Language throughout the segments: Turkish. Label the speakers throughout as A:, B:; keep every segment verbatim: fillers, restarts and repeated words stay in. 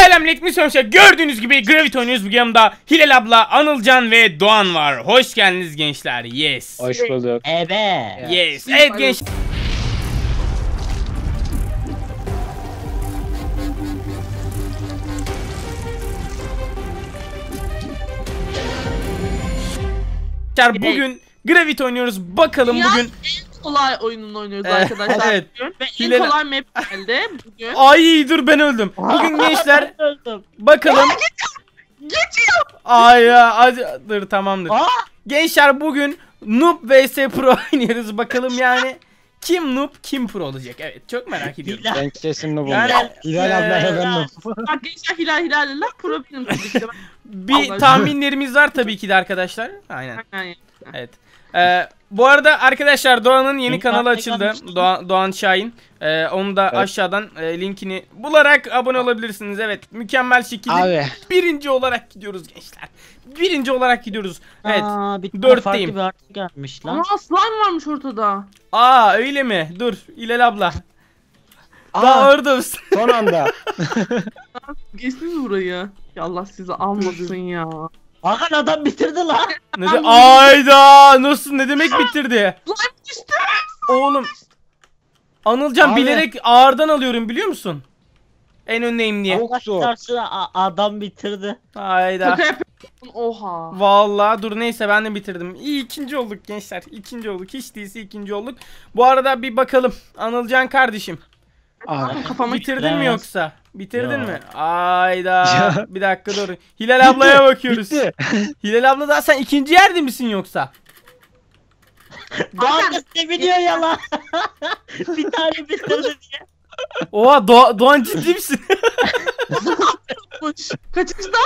A: Selamünaleyküm arkadaşlar. Gördüğünüz gibi Gravity oynuyoruz. Bu yanımda Hilal abla, Anılcan ve Doğan var. Hoş geldiniz gençler. Yes.
B: Hoş bulduk.
C: Evet.
A: Yes. Evet genç. Bugün Gravity oynuyoruz. Bakalım
D: Ya,
A: bugün.
D: en kolay oyununu oynuyoruz
A: Evet,
D: arkadaşlar.
A: evet.
D: Bugün. Ve
A: Hilal-
D: en kolay map geldi bugün.
A: Ay dur ben öldüm. Bugün gençler
C: Öldüm.
A: bakalım.
D: Geçiyor.
A: Ay ya hadi dur tamamdır.
C: Aa!
A: Gençler bugün Noob vs Pro oynuyoruz. Bakalım yani kim Noob kim Pro olacak. Evet çok merak ediyorum.
C: Hilal.
B: Ben kesin bu
A: Yani,
B: buldum. Hilal abla
A: eee,
B: ben Noob.
D: Arkadaşlar Hilal Hilal Hilal pro benim tabii ki de.
A: Bir
D: Allah
A: tahminlerimiz var tabii ki de arkadaşlar. Aynen.
D: Aynen.
A: Evet. Ee, bu arada arkadaşlar Doğan'ın yeni
C: Link
A: kanalı
C: atmayı
A: açıldı.
C: görmüştüm.
A: Doğan, Doğan Şahin. Ee, onu da
B: Evet.
A: aşağıdan e, linkini bularak abone olabilirsiniz. Evet. Mükemmel şekilde
B: Abi.
A: birinci olarak gidiyoruz gençler. Birinci olarak gidiyoruz. Evet.
C: Aa, bir tane
A: dörtteyim.
C: farklı bir artı gelmiş lan.
D: Ama slime varmış ortada.
A: Aa öyle mi? Dur İlal abla. Daha
B: Aa,
A: orada mısın?
B: son anda.
D: Geçtiniz burayı. Ya Allah sizi almasın ya.
C: Hakan adam bitirdi lan.
A: Ne de ayda nasıl ne demek bitirdi?
D: Slime düştü.
A: Oğlum. Anılcan
B: Abi.
A: bilerek ağırdan alıyorum biliyor musun? En öndeyim diye.
B: Çok zor.
C: Karşısına a- adam bitirdi.
A: Hayda.
D: Şaka yapıyorsun. Oha.
A: Vallahi dur neyse ben de bitirdim. İyi ikinci olduk gençler. İkinci olduk. Hiç değilse ikinci olduk. Bu arada bir bakalım. Anılcan kardeşim.
B: Abi.
D: Kafama
A: Bitirdin mi
C: bitiremez.
A: yoksa? Bitirdin
C: Yok.
A: mi? Ayda.
B: Ya.
A: Bir dakika dur. Hilal ablaya bakıyoruz.
B: Bitti.
A: Hilal abla da sen ikinci yerde misin yoksa?
C: Doğan da seviniyor ya lan. Bir tane bitirdi diye.
A: Oha Do Doğan ciddi misin?
D: yapmış. Kaçıncıda?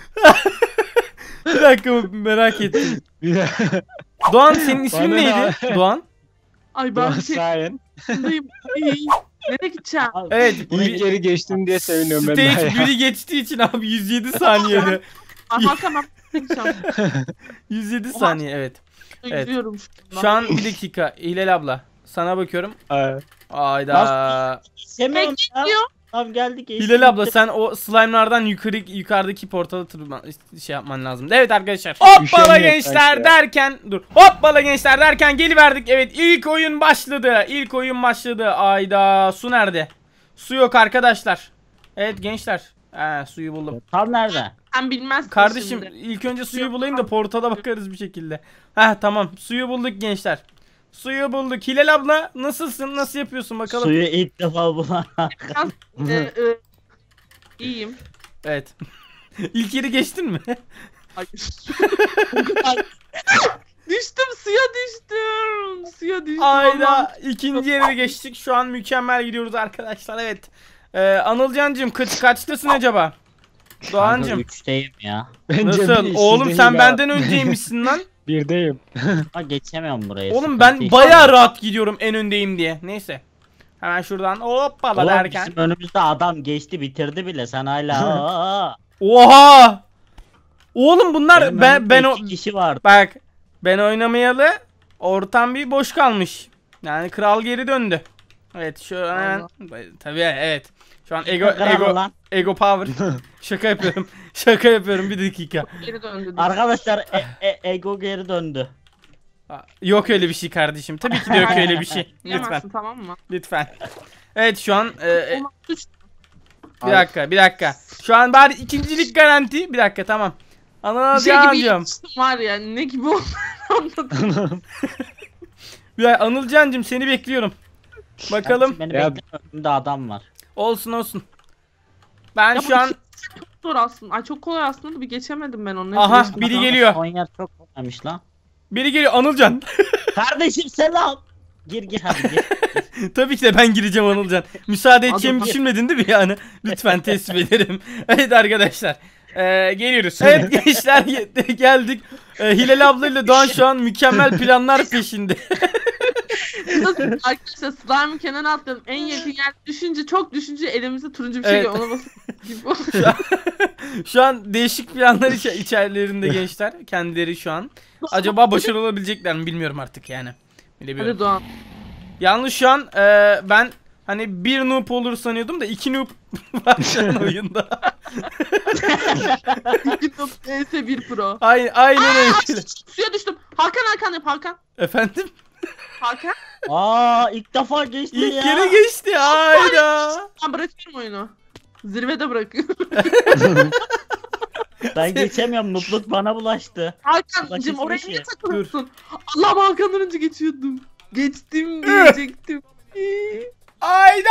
A: Bir dakika merak ettim. Doğan senin ismin
B: Bana
A: neydi?
B: ne?
A: Doğan.
D: Ay
B: Doğan
D: ben şey
B: Şahin.
D: dayım. Nereye gideceğim?
C: Abi,
A: Evet.
B: İlk
A: bir-
B: geri geçtim diye seviniyorum ben daha
A: Stage
B: ya.
A: biri geçtiği için abi yüz yedi saniyede.
D: Ay Hakan ben gideceğim.
A: yüz yedi saniye evet. Evet.
D: Gidiyorum şu
A: Şu an bir dakika Hilal abla. Sana bakıyorum.
B: Aa,
A: Ayda.
C: Sevmiyorum ya.
D: Bekliyor.
C: Tamam geldik. geçtik,
A: Hilal abla
C: bitti.
A: sen o slime'lardan yukarı yukarıdaki portala tırman şey yapman lazım. Evet arkadaşlar. Hoppala
B: Üşeniyor
A: gençler
B: kanka.
A: derken dur. Hoppala gençler derken geliverdik. Evet ilk oyun başladı. İlk oyun başladı. Ayda su nerede? Su yok arkadaşlar. Evet gençler. He suyu buldum.
C: Tam nerede?
D: Sen bilmezsin
A: Kardeşim
D: şimdi.
A: ilk önce suyu bulayım da portala bakarız bir şekilde. Heh tamam suyu bulduk gençler. Suyu bulduk. Hilal abla nasılsın? Nasıl yapıyorsun bakalım.
C: Suyu ilk defa bulan.
D: Biraz, e, e, iyiyim.
A: Evet. İlk yeri geçtin mi?
D: Ay. Düştüm suya düştüm. Suya düştüm. Allah'ım.
A: Ayda ikinci yere geçtik. Şu an mükemmel gidiyoruz arkadaşlar. Evet. Ee, Anılcancığım kaç kaçtasın acaba? Doğancığım.
C: Üçteyim ya.
B: bence
A: Nasıl?
B: bir,
A: Oğlum
B: sizde
A: sen
B: hile
A: benden önceymişsin lan.
B: var. Birdeyim.
C: Ha geçemiyorum burayı.
A: Oğlum
C: sıkıntı
A: ben
C: yok.
A: bayağı rahat gidiyorum en öndeyim diye. Neyse. Hemen şuradan hoppala
C: Oğlum
A: derken.
C: bizim önümüzde adam geçti bitirdi bile sen hala. Aa,
A: Oha! Oğlum bunlar
C: benim
A: ben
C: önümde
A: ben o
C: iki kişi vardı.
A: bak ben oynamayalı ortam bir boş kalmış. Yani kral geri döndü. Evet şu an tabii evet. Şu an ego
C: Kral
A: ego
C: lan.
A: ego power. Şaka yapıyorum. Şaka yapıyorum bir dakika.
D: Geri döndü.
C: Arkadaşlar e- e- ego geri döndü.
A: Aa, yok öyle bir şey kardeşim. Tabii ki de yok öyle bir şey. Lütfen.
D: Diyemezsin, tamam mı?
A: Lütfen. Evet şu an e, e,
D: Olmaz, düş-
A: bir dakika bir dakika. Şu an bari ikincilik garanti. Bir dakika tamam.
D: Bir
A: Ana
D: şey
A: devam
D: gibi
A: ediyorum.
D: yapmıştım var ya, ne gibi oldu anladım.
A: Bir dakika, Anılcancığım seni bekliyorum. Bakalım.
C: Beni
B: Ya-
C: bekle önümde adam var.
A: Olsun olsun. Ben
D: Ya
A: şu
D: bu
A: an
D: Çok zor aslında. Ay çok kolay aslında da bir geçemedim ben onu.
A: Aha,
D: Geçtim.
A: biri geliyor.
C: Son yer çok kolaymış lan.
A: biri geliyor Anılcan.
C: Kardeşim selam. Gir gir hadi gir.
A: Tabii ki de ben gireceğim Anılcan. Müsaade edeceğimi
D: Adam-
A: düşünmedin değil mi yani? Lütfen teslim ederim. Evet arkadaşlar. Ee, geliyoruz. Evet gençler ge- geldik. Ee, Hilal ablayla Doğan şu an mükemmel planlar peşinde.
D: Arkadaşlar slime'ın kenarına atladım. En yakın yer düşünce, çok düşünce elimizde turuncu bir şey
A: Evet.
D: geliyor. Ona basıp
A: Şu an, şu an değişik planlar içe- içerilerinde gençler. Kendileri şu an. Acaba başarılı olabilecekler mi bilmiyorum artık yani. Bilemiyorum.
D: Hadi Doğan.
A: Yalnız şu an e, ben hani bir noob olur sanıyordum da iki noob var şu an oyunda.
D: E S bir Pro.
A: Aynen, aynen öyle.
D: Suya düştüm. Hakan Hakan yap Hakan.
A: Efendim?
D: Hakan.
C: Aa ilk defa geçti
A: İlk
C: ya.
A: kere geçti. Hayda.
D: Ben bırakıyorum oyunu. Zirvede bırakıyorum.
C: Ben geçemiyorum. Nutluk bana bulaştı.
D: Hakan'cım
C: Ulan
D: oraya
C: kesmiş
D: niye
C: ya.
D: takılıyorsun? Allah'ım Hakan'dan önce geçiyordum. Geçtim diyecektim.
A: Hayda.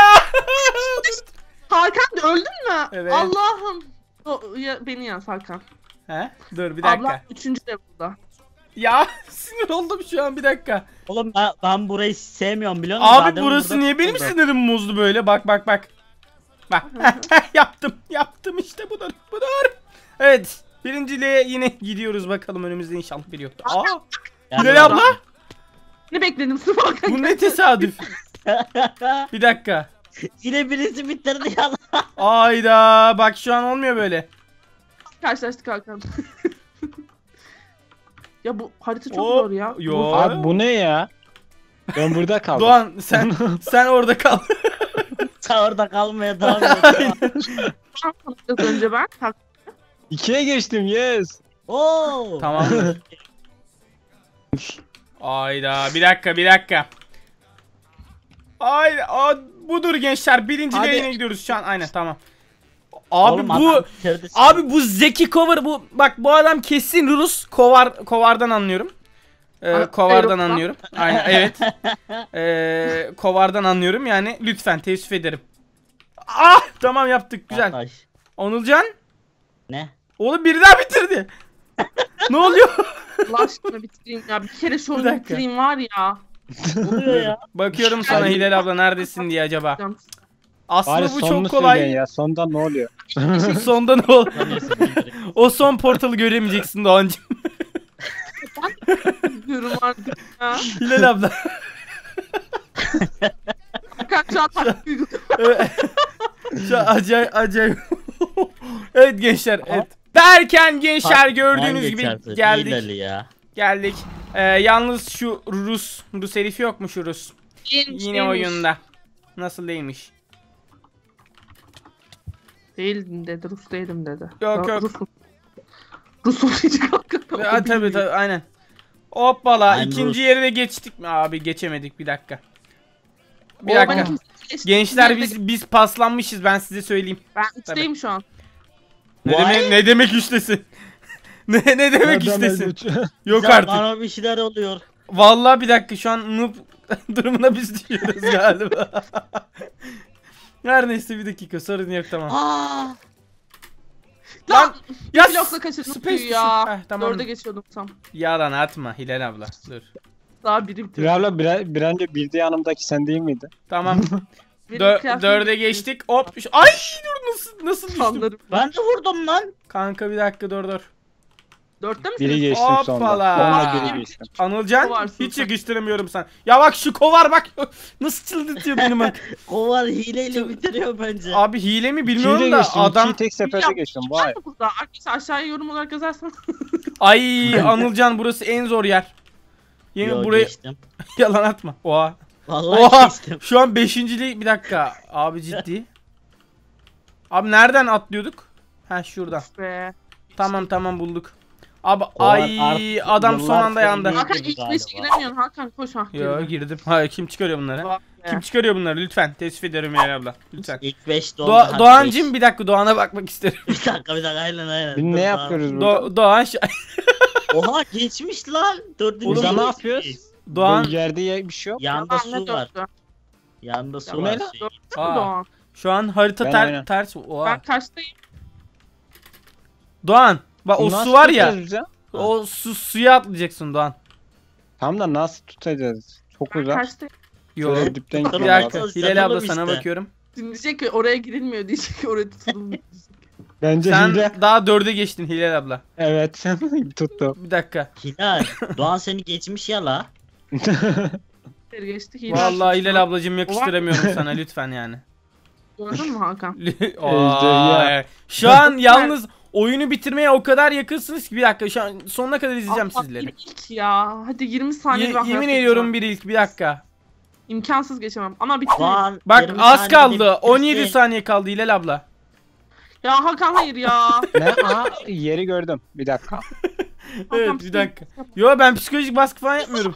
D: Hakan öldün mü?
A: Evet.
D: Allah'ım. O, ya, beni yaz Hakan.
A: He? Dur bir dakika.
D: Ablam üçüncü de burada.
A: Ya sinir oldum şu an bir dakika.
C: Oğlum ben, ben burayı sevmiyorum biliyor musun?
A: Abi
C: Zaten
A: burası
C: burada
A: niye benim
C: tutuldu.
A: sinirim bozdu böyle? Bak bak bak. Bak. yaptım. Yaptım işte budur. Budur. Evet. Birinciliğe yine gidiyoruz bakalım, önümüzde inşallah biri yoktur. Aa.
C: Yani
A: Hilal abla.
D: Ne bekledim sırf Hakan.
A: Bu ne tesadüf. Bir dakika.
C: Yine birisi bitirdi ya.
A: Ayda. Bak şu an olmuyor böyle.
D: Karşılaştık Hakan. Ya bu harita çok
A: Oo,
D: zor ya.
A: yo.
B: Abi bu ne ya? Ben burada kaldım.
A: Doğan sen sen orada kal.
C: Sen orada kalmaya devam et.
D: Az önce ben. Hakan.
B: İkiye geçtim yes.
C: Oo.
A: Tamam. Ayda. Bir dakika bir dakika. Ayda. Aa, budur gençler. Birinciliğe
B: Hadi.
A: yine gidiyoruz şu an. Aynen tamam. Abi
C: Oğlum,
A: bu
C: adam bitirdi seni.
A: abi bu Zeki Kovar, bu bak bu adam kesin Rus. Kovar Kovar'dan anlıyorum. Ee,
D: Aa,
A: Kovar'dan
D: Avrupa.
A: anlıyorum. Aynen evet. Ee, Kovar'dan anlıyorum yani, lütfen teessüf ederim. Ah tamam yaptık güzel.
C: Arkadaş.
A: Onulcan
C: Ne?
A: oğlum biri daha bitirdi. Ne oluyor?
D: Allah aşkına bitireyim ya. Bir kere şu
A: Bir
D: oyunu
A: dakika.
D: bitireyim var ya.
C: Oluyor ya.
A: Bakıyorum sana Hilal abla neredesin diye acaba.
D: Canım.
A: Aslında
B: Bari
A: bu
B: sonunu
A: çok kolay.
B: söyleyin ya. Sonda ne oluyor?
A: Sonda ne ol?
C: Sanıyorsun, bitirdi.
A: O son portalı göremeyeceksin Doğancığım.
D: Diyorum artık ya.
A: Hilal abla.
D: Hakan şu an taktik uyguluyor.
A: Evet. Şu an acayip acayip. Evet gençler evet. Derken gençler gördüğünüz gibi
C: Geçersin,
A: geldik.
C: Hilal'i ya.
A: Geldik. Ee, yalnız şu Rus, Rus herifi yok mu şu Rus?
D: Değilmiş,
A: Yine
D: değilmiş.
A: oyunda. Nasıl değilmiş?
D: Değildim dedi. Rus değilim dedi.
A: Yok,
D: Ya,
A: yok.
D: Rusum. Rusum diyecek hakikaten.
A: Ha, tabii tabii aynen. Hoppala
C: I'm
A: ikinci
C: Rus.
A: yere de geçtik mi? Abi geçemedik bir dakika. Bir
D: O
A: dakika.
D: bana kimse geçti.
A: Gençler
D: Nerede-
A: biz biz paslanmışız, ben size söyleyeyim.
D: Ben üçteyim şu an.
A: Ne
C: Vay.
A: demek ne demek üçtesin? ne ne demek
B: Adam
A: üçtesin?
B: öldü.
A: Yok
C: Ya
A: artık.
C: Bana bir şeyler oluyor.
A: Vallahi bir dakika şu an noob durumuna biz düşüyoruz galiba. Her neyse bir dakika, sorun yok tamam.
C: Aa.
A: Lan ya
D: Blokla kaçırdım
A: space
D: suyu ya.
A: düşün. Heh, tamam.
D: Dörde geçiyordum tam.
A: Yalan atma Hilal abla. Dur.
D: Daha biri bitirdi.
B: Bir abla bir, bir önce bir de yanımdaki sen değil miydi?
A: Tamam.
D: Benim
A: Dö
D: kıyafetim
A: dörde
D: bitti.
A: geçtik. Hop. Şu- Ay dur nasıl nasıl düştüm?
D: Sanlarım.
C: Ben de vurdum lan.
A: Kanka bir dakika dur dur.
D: Dörtte misiniz?
B: Biri geçtim sonda.
A: Hoppala.
B: Onunla biri geçtim.
A: Anılcan
D: Kovarsın
A: hiç
D: sen.
A: yakıştıramıyorum sana. Ya bak şu kovar bak. Nasıl çıldırtıyor beni bak.
C: Kovar hileyle bitiriyor bence.
A: Abi hile mi
B: İkiyi
A: bilmiyorum
B: de
A: da
B: geçtim.
A: adam.
B: İkiyi tek seferde
D: Ya,
B: geçtim.
D: Var
B: Vay.
D: mı burada? Arkadaşlar aşağıya yorum olarak yazarsan.
A: Ay Anılcan burası en zor yer. Yemin
C: Yo,
A: buraya
C: geçtim.
A: yalan atma. Oha.
C: Vallahi
A: Oha.
C: geçtim.
A: Şu an beşinciliği bir dakika. Abi ciddi. Abi nereden atlıyorduk? Ha şuradan.
D: Be.
A: Tamam tamam bulduk. Abi
C: Kovar
A: ay
C: artık
A: adam son
C: yıllar
A: anda yandı.
C: sonra
D: Hakan
C: girdi
D: ilk
C: galiba.
D: beşe giremiyorsun Hakan koş ha.
A: Yo
D: girdi.
A: girdim. Hayır kim çıkarıyor bunları?
D: Vay be.
A: Kim çıkarıyor bunları lütfen teessüf ederim Meral abla. Lütfen.
C: İlk beş doldu.
A: Doğa,
C: hadi
A: Doğancım
C: beş.
A: bir dakika Doğan'a bakmak isterim.
C: Bir dakika bir dakika aynen aynen.
B: Biz
C: Dur,
B: ne
C: Doğan.
B: yapıyoruz burada?
A: Do Doğan şu-
C: Oha geçmiş lan. Dördüncü.
B: Burada ne
C: geçmiş.
B: yapıyoruz?
A: Doğan
B: Bu yerde ye- bir şey yok.
C: Yanda
D: Yalan ne
C: su var.
D: dörtte?
C: Yanda su
B: Bu
C: var.
B: ne lan?
C: şey.
D: Dörtte mi
A: Aa.
D: Doğan?
A: şu an harita
B: Ben
A: ter
B: aynen.
A: ters. Oha.
D: Ben kaçtayım?
A: Doğan bak o
B: Nasıl
A: su var ya.
B: tutacağız biz ya?
A: O su suya atlayacaksın Doğan.
B: Tamam da nasıl tutacağız? Çok
D: Ben
B: uzak.
D: kaçtayım?
A: Yo.
B: Şöyle dipten
A: Bir
C: Tamam,
B: gidiyor.
A: dakika.
C: tamam.
A: Hilal abla
C: Satalım
A: sana
C: işte.
A: bakıyorum.
D: Şimdi diyecek ki oraya girilmiyor diyecek ki oraya tutulmuyor.
B: Bence
A: Sen
B: hile.
A: daha dörde geçtin Hilal abla.
B: Evet. Tuttu.
A: Bir dakika.
C: Hilal. Doğan seni geçmiş ya la.
D: Bir geçti. Hilal
A: Vallahi
D: tuttu.
A: Hilal ablacığım yakıştıramıyorum sana lütfen yani.
D: Gördün mü Hakan?
A: Aa, şu an yalnız oyunu bitirmeye o kadar yakınsınız ki bir dakika şu an sonuna kadar izleyeceğim
D: Allah,
A: sizleri.
D: bir ilk ya. Hadi yirmi saniye
A: Ye-
D: bir
A: yemin
D: hayatta
A: ediyorum
D: geçemem.
A: bir ilk bir dakika.
D: İmkansız geçemem ama bitti.
C: Doğan.
A: Bak
C: yirmi
A: az
C: saniyede
A: kaldı.
C: bitirsin.
A: on yedi saniye kaldı Hilal abla.
D: Ya Hakan hayır ya.
B: Ne? Aha yeri gördüm. Bir dakika.
A: Evet bir dakika. Yo ben psikolojik baskı falan yapmıyorum.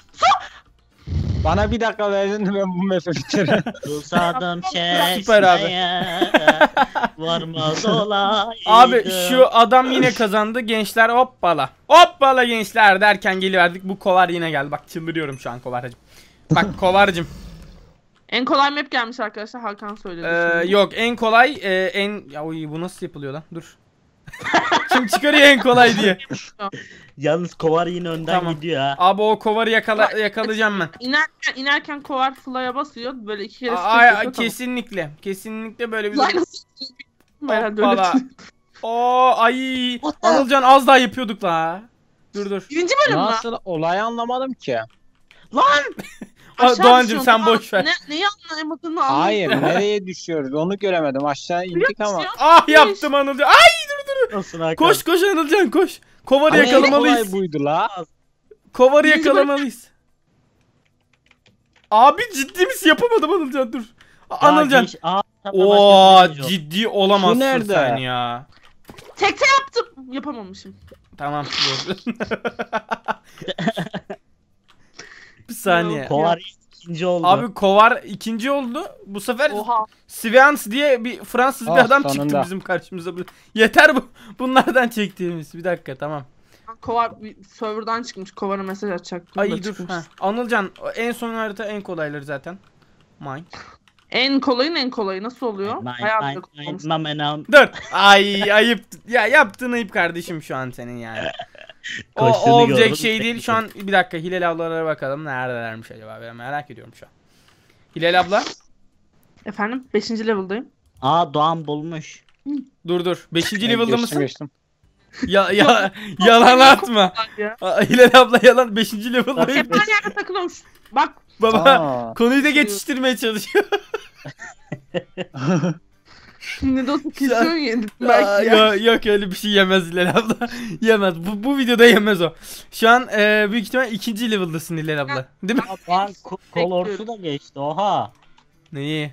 B: Bana bir dakika verdin de ben bu map'i bitiririm.
C: Susadım
A: Süper abi.
C: çeşmeye. Varmaz olaydım.
A: Abi şu adam yine kazandı gençler, hoppala. Hoppala gençler derken geliverdik. Bu kovar yine geldi. Bak çıldırıyorum şu an kovarcım. Bak kovarcım.
D: En kolay map gelmiş arkadaşlar, Hakan söyledi.
A: Ee,
D: şimdi.
A: yok en kolay e, en ya oy, bu nasıl yapılıyor lan? Dur. Şimdi çıkarıyor en kolay diye.
C: Yalnız kovar yine önden
A: Tamam.
C: gidiyor ha.
A: Abi o kovarı yakala yakalayacağım ben.
D: İnerken, inerken kovar fly'a basıyor. Böyle iki kere
A: Aa,
D: sprint
A: ay,
D: yapıyor, tamam.
A: kesinlikle. Kesinlikle böyle bir
D: Fly nasıl? Herhalde öyle.
A: Hoppala. Oo ay. Anılcan az daha yapıyorduk la. Dur dur.
D: Birinci bölüm mü?
B: Nasıl olayı anlamadım ki.
D: Lan!
A: Aa,
D: Aşağı
A: Doğancım
D: düşüyorsun,
A: sen
D: tamam.
A: boş ver.
D: Ne, neyi anlayamadığını anladım.
B: Hayır nereye düşüyoruz onu göremedim. Aşağı indik ama.
A: Ah yaptım Anılcan. Ay
C: Nasılsın Hakan?
A: koş koş Anılcan koş. Kovarı
B: Ama en
A: yakalamalıyız.
B: kolay buydu la.
A: Kovarı
D: Birinci
A: yakalamalıyız. Abi ciddi misin? Yapamadım Anılcan dur.
C: Ya
A: Anılcan.
C: geç- Aa, tabii
A: Oo
C: başka bir şey yok.
A: ciddi olamazsın
B: Şu nerede?
A: sen ya.
D: Tekte yaptım. Yapamamışım.
A: Tamam dur. Bir saniye.
C: Kovar ikinci oldu.
A: Abi Kovar ikinci oldu. Bu sefer
D: Oha.
A: Svians diye bir Fransız bir
B: Ah,
A: adam çıktı
B: sonunda.
A: bizim karşımıza. Yeter bu bunlardan çektiğimiz. Bir dakika tamam.
D: Kovar bir serverdan çıkmış. Kovar'a mesaj atacaktım.
A: Ay
D: da
A: dur.
D: çıkmış.
A: Ha. Anılcan en son harita en kolayları zaten. Mine.
D: En kolayın en kolayı nasıl oluyor?
C: Nine,
D: Hayatımda
C: nine, nine,
D: kullanmış.
C: mam, enam.
A: Dur. Ay ayıp. Ya yaptığın ayıp kardeşim şu an senin yani. O, o
C: Koştuğunu
A: olacak
C: gördüm.
A: şey değil. Şu an bir dakika Hilal ablalara bakalım. Neredelermiş acaba? Ben merak ediyorum şu an. Hilal abla.
D: Efendim? Beşinci level'dayım.
C: Aa Doğan bulmuş.
A: Dur dur. Beşinci
B: Ben
A: level'da
B: geçtim,
A: mısın?
B: geçtim.
A: Ya, ya yalan atma.
D: Ya.
A: Aa, Hilal abla yalan. Beşinci level'dayım.
D: Hep aynı yerde takılıyormuş. Bak.
A: Baba
B: Aa.
A: konuyu da geçiştirmeye çalışıyor.
D: Ne de olsa kesiyorsun ya.
A: Aa,
D: Belki ya.
A: yo- yok öyle bir şey yemez Hilal abla. Yemez. Bu, bu videoda yemez o. Şu an e, büyük ihtimal ikinci level'dasın Hilal abla. Değil mi?
C: Aa, Doğan ko- kolorsu da geçti oha.
A: Neyi?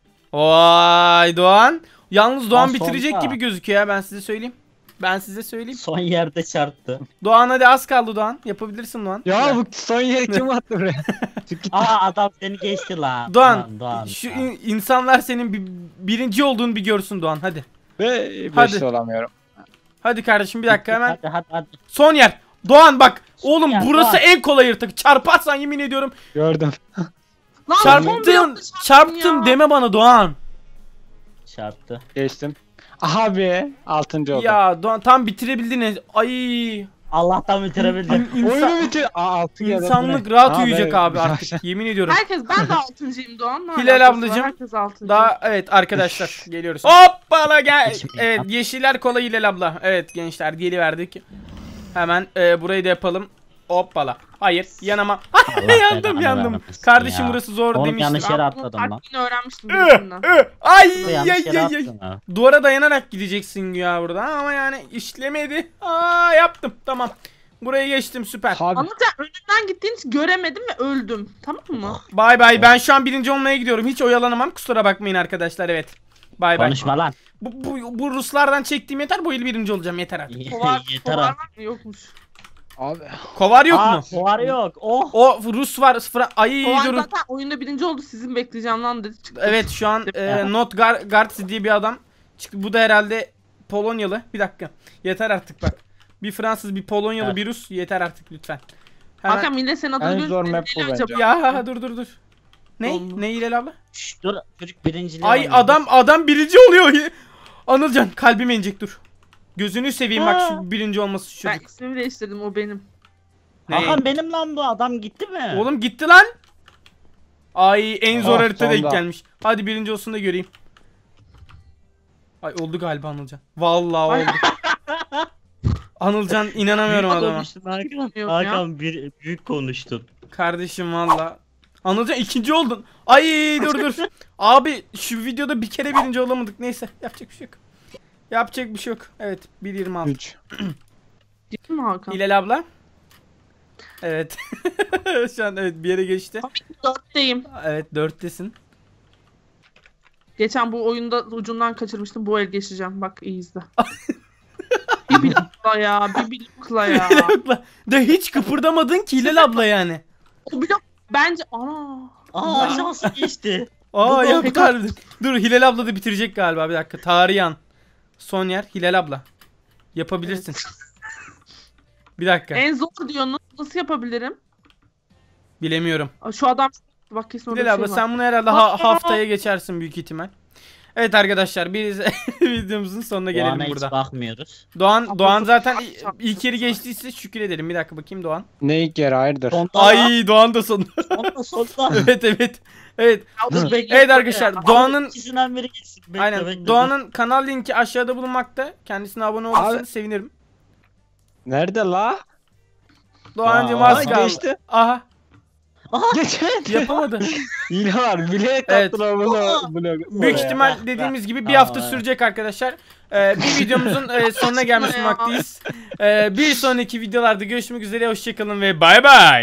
A: Vay Doğan. Yalnız Doğan
C: Aa,
A: bitirecek
C: sonda.
A: gibi gözüküyor ya ben size söyleyeyim. Ben size söyleyeyim.
C: Son yerde çarptı.
A: Doğan hadi az kaldı Doğan. Yapabilirsin Doğan.
B: Ya bu son yeri kim attı buraya? Çık git.
C: Aa adam seni geçti la.
A: Doğan,
C: Aman, Doğan
A: şu
C: ya.
A: in- insanlar senin bir, birinci olduğunu bir görsün Doğan hadi.
B: Ve
A: Hadi.
B: beşte olamıyorum.
A: Hadi kardeşim bir dakika hemen.
C: Hadi hadi hadi.
A: Son yer. Doğan bak. Oğlum
C: yer,
A: burası
C: Doğan.
A: en kolay yırtık. Çarparsan yemin ediyorum.
B: Gördüm.
D: Lan
A: Çarptın.
D: son bir anda
A: Çarptım
D: ya.
A: deme bana Doğan.
C: Çarptı.
B: Geçtim. Abi altıncı oldum.
A: Ya Doğan tam bitirebildin. Ay.
C: Allah'tan bitirebildim.
A: İnsan,
B: Oyunu bitir. Aa altı geldi.
A: insanlık rahat
B: Aa,
A: uyuyacak
B: ben-
A: abi artık. Yemin ediyorum.
D: Herkes ben de altıncıyım Doğan. Ne
A: Hilal
D: alakası var?
A: ablacığım,
D: Herkes altıncı.
A: Daha evet arkadaşlar geliyoruz. Hoppala gel.
C: Geçmiş
A: Evet
C: ya.
A: yeşiller kola Hilal abla. Evet gençler geliverdik. Hemen e, burayı da yapalım. Hoppala. Hayır yanama.
C: Allah
A: yandım
C: belanı
A: yandım.
C: vermesin
A: Kardeşim
C: ya.
A: burası zor
C: Oğlum,
A: demiştim.
C: yanlış yere
D: Ben bunun
C: atladım lan.
D: taktiğini öğrenmiştim
A: Ü,
D: birisinden.
A: ü, Ay
C: Yanlış
A: ay
C: yere
A: ay ay.
C: attın ha.
A: Duvara dayanarak gideceksin ya burada ama yani işlemedi. Aa yaptım tamam. Buraya geçtim süper.
B: Abi
D: Anlatacağım, önünden gittiğin için göremedim ve öldüm. Tamam mı?
A: Bay bay ben şu an birinci olmaya gidiyorum. Hiç oyalanamam kusura bakmayın arkadaşlar evet. Bay bay.
C: Konuşma lan.
A: Bu, bu, bu Ruslardan çektiğim yeter bu yıl birinci olacağım yeter artık.
D: Kovar,
C: Yeter
D: kovar
C: artık.
D: var mı? Yokmuş.
B: abi.
A: Kovar yok
C: Aa,
A: mu?
C: Kovar yok. Oh.
A: O Rus var. Fra Ay
D: Kovar
A: durun.
D: zaten oyunda birinci oldu. Sizin bekleyeceğim lan dedi çıktı.
A: Evet şu an e, Not Gar Gartz diye bir adam çıktı. Bu da herhalde Polonyalı. Bir dakika. Yeter artık bak. Bir Fransız, bir Polonyalı,
C: Evet.
A: bir Rus. Yeter artık lütfen. Hemen-
D: Hakan millet senin adını
B: En
D: görünce
B: zor map bu
D: neyle
B: bence.
D: acaba?
A: Ya dur dur dur. Ne?
D: Oldu.
A: Ne Hilal abla?
C: Şşş, dur çocuk birinciliği
A: Ay
C: oynuyor.
A: adam adam birinci oluyor. Anılcan kalbime inecek dur. Gözünü seveyim bak şu birinci olması şu
D: Ben
A: çocuk.
D: ismimi değiştirdim, o benim.
A: Ne?
C: Hakan benim lan bu adam gitti mi?
A: Oğlum gitti lan. Ay en zor
B: Ah,
A: harita denk
B: sonda.
A: gelmiş. Hadi birinci olsun da göreyim. Ay oldu galiba Anılcan. Vallahi
D: Ay.
A: oldu. Anılcan inanamıyorum
C: Büyük
A: adama.
C: konuştun Hakan.
D: Bilmiyorum ya.
C: Hakan bir, büyük konuştun.
A: Kardeşim valla. Anılcan ikinci oldun. Ay dur dur. Abi şu videoda bir kere birinci olamadık. Neyse yapacak bir şey yok. Yapacak bir şey yok. Evet bir yirmi altı.
B: üç.
D: Değil mi Hakan?
A: Hilal abla. Evet. Şu an evet bir yere geçti.
D: Dörtteyim.
A: Evet dörttesin.
D: Geçen bu oyunda ucundan kaçırmıştım. Bu el geçeceğim. Bak iyi izle. Bir blokla ya. Bir blokla ya.
A: Hilal de hiç kıpırdamadın ki Hilal abla yani.
D: O blok bence... Ana.
C: Aa şansı geçti.
A: Aa
C: Bu-
A: yaptı harbiden. Dur Hilal abla da bitirecek galiba, bir dakika. Tarihan. Son yer Hilal abla. Yapabilirsin. Bir dakika.
D: En zor diyorsunuz. Nasıl yapabilirim?
A: Bilemiyorum.
D: Aa, Şu adam... Bak kesin orada bir
A: Hilal
D: şey
A: abla
D: var.
A: sen bunu herhalde ha- haftaya geçersin büyük ihtimal. Evet arkadaşlar, biz videomuzun sonuna gelelim
C: Doğan'a hiç
A: burada.
C: bakmıyoruz.
A: Doğan
D: Abla
A: Doğan
D: çok
A: zaten
D: çarptı,
A: i-
D: çarptı,
A: ilk yeri
D: çarptı.
A: geçtiyse şükür edelim. Bir dakika bakayım Doğan.
B: Ne ilk yer hayırdır?
C: Sonda
A: Ay Doğan da son.
C: Sonda sonda.
A: Evet evet. Evet.
C: Dur, bekle,
A: Evet
C: bekle.
A: arkadaşlar,
C: Abi,
A: Doğan'ın
C: ikisinden biri geçsin. Bekle,
A: aynen
C: bekle,
A: Doğan'ın kanal linki aşağıda bulunmakta. Kendisine abone olursanız
B: Abi-
A: sevinirim.
B: Nerede la?
A: Doğancım
C: Aa,
A: az
B: Aa,
A: kaldı.
B: geçti.
A: Aha
B: Geçmedi.
A: yapamadı.
B: Yine var. Bilerek
A: Evet.
B: attılar bunu.
C: Aa.
B: bunu.
A: Büyük
C: Oraya,
A: ihtimal
C: bak,
A: dediğimiz
C: bak.
A: gibi bir
C: Aa,
A: hafta
C: evet.
A: sürecek arkadaşlar. Ee, bir videomuzun e, sonuna gelmiş
D: Ya.
A: bulunmaktayız. Ee, bir sonraki videolarda görüşmek üzere. Hoşçakalın ve bay bay.